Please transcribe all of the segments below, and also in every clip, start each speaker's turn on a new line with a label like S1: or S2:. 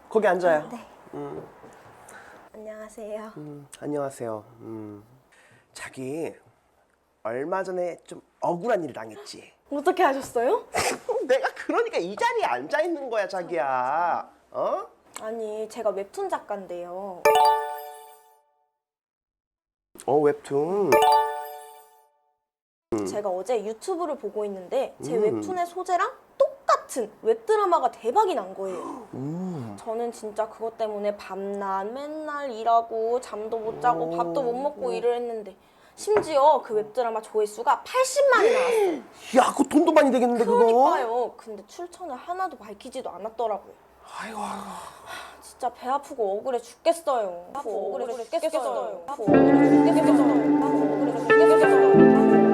S1: 거기 앉아요.
S2: 네. 안녕하세요.
S1: 안녕하세요. 자기 얼마 전에 좀 억울한 일을 당했지.
S2: 어떻게 하셨어요?
S1: 내가 그러니까 이 자리에 앉아 있는 거야, 자기야. 어?
S2: 아니, 제가 웹툰 작가인데요.
S1: 웹툰.
S2: 제가 어제 유튜브를 보고 있는데 제 웹툰의 소재랑 똑같은 웹드라마가 대박이 난 거예요. 저는 진짜 그것 때문에 밤낮 맨날 일하고 잠도 못 자고 밥도 못 먹고 일을 했는데 심지어 그 웹드라마 조회수가 80만이 나왔어요.
S1: 야, 그거 돈도 많이 되겠는데, 그거?
S2: 그러니까요. 근데 출처는 하나도 밝히지도 않았더라고요.
S1: 아이고.
S2: 진짜 배 아프고 억울해 죽겠어요. 억울해 죽겠어요. 억울해 죽겠어요.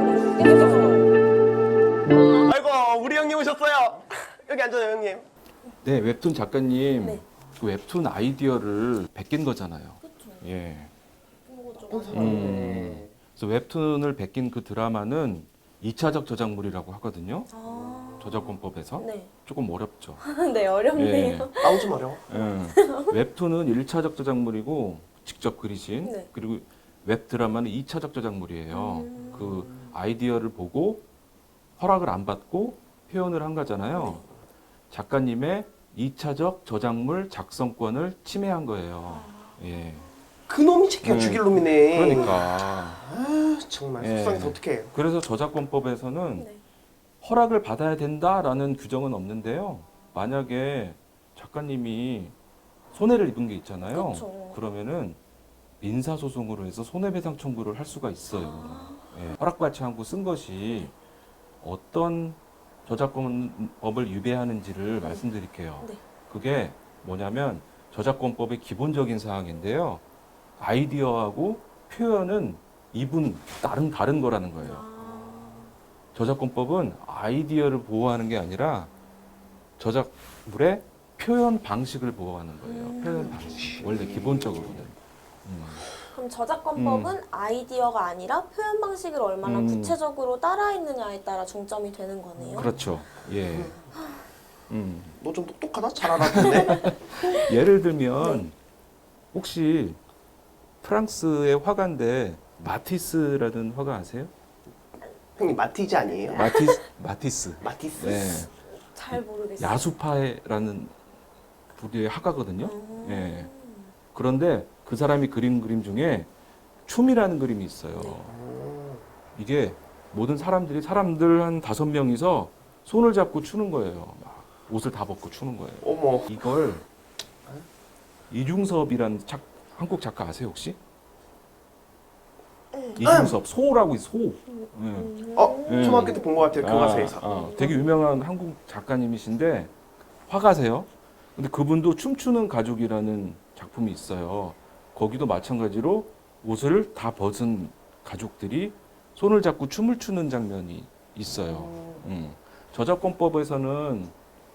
S1: 아이고, 우리 형님 오셨어요. 여기 앉아요, 형님.
S3: 네, 웹툰 작가님.
S2: 네.
S3: 그 웹툰 아이디어를 베낀 거잖아요.
S2: 그렇죠.
S3: 예.
S1: 네.
S3: 그래서 웹툰을 베낀 그 드라마는 2차적 저작물이라고 하거든요.
S2: 아,
S3: 저작권법에서.
S2: 네.
S3: 조금 어렵죠.
S2: 네, 어렵네요.
S1: 아우, 좀 어려워.
S3: 예. 웹툰은 1차적 저작물이고 직접 그리신.
S2: 네.
S3: 그리고 웹드라마는 2차적 저작물이에요. 그 아이디어를 보고 허락을 안 받고 표현을 한 거잖아요. 작가님의 2차적 저작물 작성권을 침해한 거예요. 예.
S1: 그놈이 지켜 죽일 놈이네.
S3: 그러니까.
S1: 아, 정말
S3: 예.
S1: 속상해서 어떡해.
S3: 그래서 저작권법에서는
S2: 네.
S3: 허락을 받아야 된다라는 규정은 없는데요. 만약에 작가님이 손해를 입은 게 있잖아요.
S2: 그쵸.
S3: 그러면은 민사소송으로 해서 손해배상 청구를 할 수가 있어요. 예. 허락받지 않고 쓴 것이 어떤 저작권법을 위배하는지를 말씀드릴게요.
S2: 네.
S3: 그게 뭐냐면 저작권법의 기본적인 사항인데요. 아이디어하고 표현은 이분 다른 거라는 거예요. 저작권법은 아이디어를 보호하는 게 아니라 저작물의 표현 방식을 보호하는 거예요. 표현 방식. 원래 기본적으로는.
S2: 그럼 저작권법은 아이디어가 아니라 표현 방식을 얼마나 구체적으로 따라했느냐에 따라 중점이 되는 거네요.
S3: 그렇죠. 예.
S1: 너 좀 똑똑하다? 잘 알아듣네.
S3: 예를 들면 혹시 프랑스의 화가인데 마티스라는 화가 아세요?
S1: 형님, 마티즈 아니에요?
S3: 마티스.
S1: 마티스?
S3: 네.
S2: 잘 모르겠어요.
S3: 야수파라는 부류의 화가거든요. 예. 그런데 그 사람이 그린 그림 중에 춤이라는 그림이 있어요. 이게 모든 사람들 한 5명이서 손을 잡고 추는 거예요. 막 옷을 다 벗고 추는 거예요.
S1: 어머.
S3: 이걸 이중섭이라는 한국 작가 아세요 혹시? 이중섭 소라고 있어. 소. 예.
S1: 초등학교 때 본 것 같아요. 교과서에서.
S3: 되게 유명한 한국 작가님이신데 화가세요. 근데 그분도 춤추는 가족이라는 작품이 있어요. 거기도 마찬가지로 옷을 다 벗은 가족들이 손을 잡고 춤을 추는 장면이 있어요. 저작권법에서는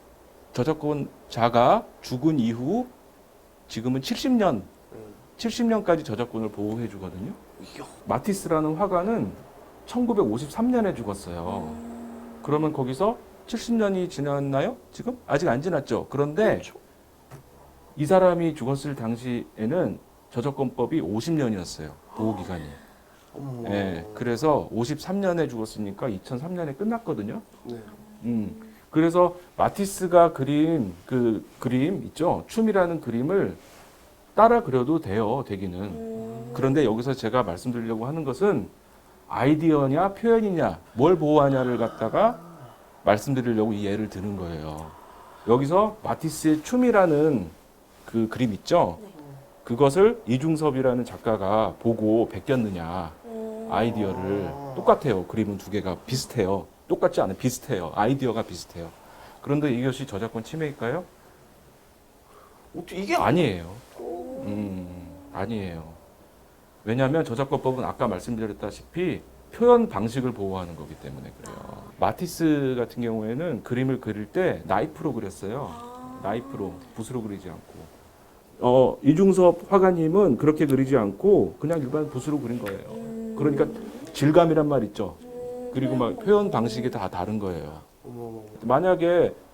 S3: 저작권자가 죽은 이후 지금은 70년까지 저작권을 보호해 주거든요. 마티스라는 화가는 1953년에 죽었어요. 그러면 거기서 70년이 지났나요? 지금? 아직 안 지났죠. 그런데
S1: 그렇죠.
S3: 이 사람이 죽었을 당시에는 저작권법이 50년이었어요. 보호기간이.
S1: 어머.
S3: 예, 그래서 53년에 죽었으니까 2003년에 끝났거든요.
S1: 네.
S3: 그래서 마티스가 그린 그 그림 있죠? 춤이라는 그림을 따라 그려도 돼요, 되기는. 그런데 여기서 제가 말씀드리려고 하는 것은 아이디어냐 표현이냐 뭘 보호하냐를 갖다가 말씀드리려고 이 예를 드는 거예요. 여기서 마티스의 춤이라는 그 그림 있죠? 그것을 이중섭이라는 작가가 보고 베꼈느냐 아이디어를 똑같아요. 그림은 두 개가 비슷해요. 똑같지 않아요. 비슷해요. 아이디어가 비슷해요. 그런데 이것이 저작권 침해일까요?
S1: 어떻게 이게
S3: 아니에요. 아니에요. 왜냐하면 저작권법은 아까 말씀드렸다시피 표현 방식을 보호하는 거기 때문에 그래요. 마티스 같은 경우에는 그림을 그릴 때 나이프로 그렸어요. 나이프로, 붓으로 그리지 않고. 이중섭 화가님은 그렇게 그리지 않고 그냥 일반 붓으로 그린 거예요. 그러니까 질감이란 말 있죠. 그리고 막 표현 방식이 다 다른 거예요.
S1: 어머.
S3: 만약에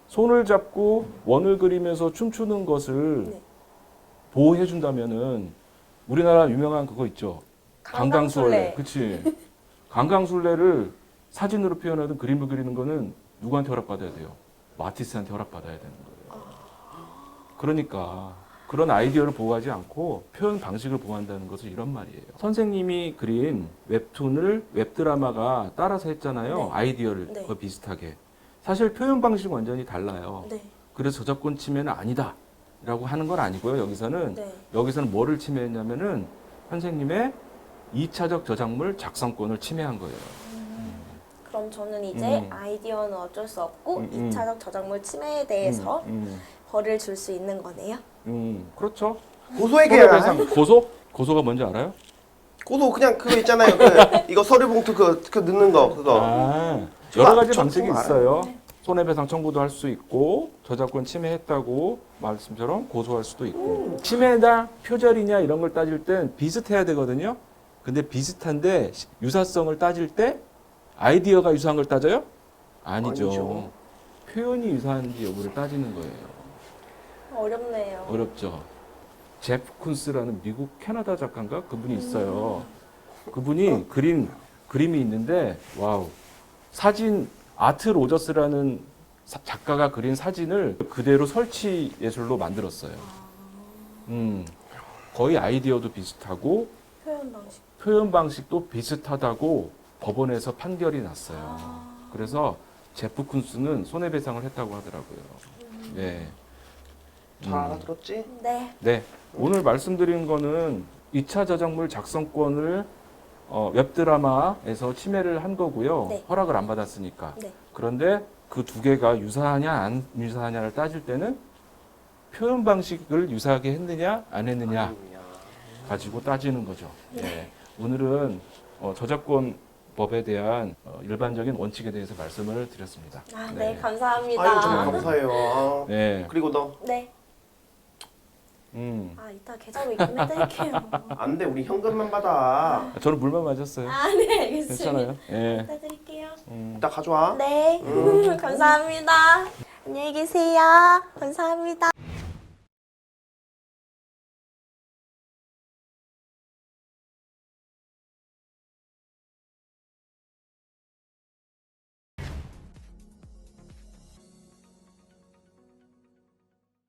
S3: 손을 잡고 원을 그리면서 춤추는 것을
S2: 네.
S3: 보호해 준다면은 우리나라 유명한 그거 있죠.
S2: 강강술래.
S3: 그치. 강강술래를 사진으로 표현하든 그림을 그리는 거는 누구한테 허락받아야 돼요? 마티스한테 허락받아야 되는 거예요. 그러니까 그런 아이디어를 보호하지 않고 표현 방식을 보호한다는 것은 이런 말이에요. 선생님이 그린 웹툰을 웹드라마가 따라서 했잖아요.
S2: 네.
S3: 아이디어를
S2: 네.
S3: 거의 비슷하게. 사실 표현 방식은 완전히 달라요.
S2: 네.
S3: 그래서 저작권 침해는 아니다. 라고 하는 건 아니고요. 여기서는
S2: 네.
S3: 여기서는 뭐를 침해했냐면은 선생님의 2차적 저작물 작성권을 침해한 거예요.
S2: 그럼 저는 이제
S3: 음.
S2: 아이디어는 어쩔 수 없고
S3: 음.
S2: 2차적 저작물 침해에 대해서
S3: 음,
S2: 벌을 줄 수 있는 거네요.
S3: 그렇죠.
S1: 고소해야.
S3: 고소가 뭔지 알아요?
S1: 고소 그냥 그거 있잖아요. 그 이거 서류 봉투 그 넣는 거 그거.
S3: 아, 여러 가지
S1: 저
S3: 방식이
S1: 그거
S3: 있어요. 손해배상 청구도 할 수 있고 저작권 침해했다고 말씀처럼 고소할 수도 있고 침해다 표절이냐 이런 걸 따질 땐 비슷해야 되거든요. 근데 비슷한데 유사성을 따질 때 아이디어가 유사한 걸 따져요? 아니죠.
S1: 아니죠.
S3: 표현이 유사한지 여부를 따지는 거예요.
S2: 어렵네요.
S3: 어렵죠. 제프 쿤스라는 미국 캐나다 작가인가 그분이 있어요. 그분이 그린 그림이 있는데 와우 사진 아트 로저스라는 작가가 그린 사진을 그대로 설치 예술로 만들었어요. 거의 아이디어도 비슷하고
S2: 표현 방식.
S3: 표현 방식도 비슷하다고 법원에서 판결이 났어요. 그래서 제프 쿤스는 손해배상을 했다고 하더라고요. 네.
S1: 잘 알아들었지?
S2: 네.
S3: 네. 오늘 말씀드린 거는 2차 저작물 작성권을 웹드라마에서 침해를 한 거고요.
S2: 네.
S3: 허락을 안 받았으니까.
S2: 네.
S3: 그런데 그 두 개가 유사하냐 안 유사하냐를 따질 때는 표현 방식을 유사하게 했느냐 안 했느냐
S1: 아니야.
S3: 가지고 따지는 거죠. 네. 오늘은 저작권법에 대한 일반적인 원칙에 대해서 말씀을 드렸습니다.
S2: 아, 네, 감사합니다.
S1: 아유 정말 감사해요. 아.
S3: 네.
S1: 그리고 너
S2: 네.
S3: 음.
S2: 아, 이따 계좌로 입금해드릴게요.
S1: 안 돼. 우리 현금만 받아.
S3: 저는 물만 맞았어요.
S2: 아, 네, 알겠습니다.
S3: 괜찮아요. 예.
S2: 해드릴게요.
S1: 이따 가져와.
S2: 네, 감사합니다. 안녕히 계세요. 감사합니다.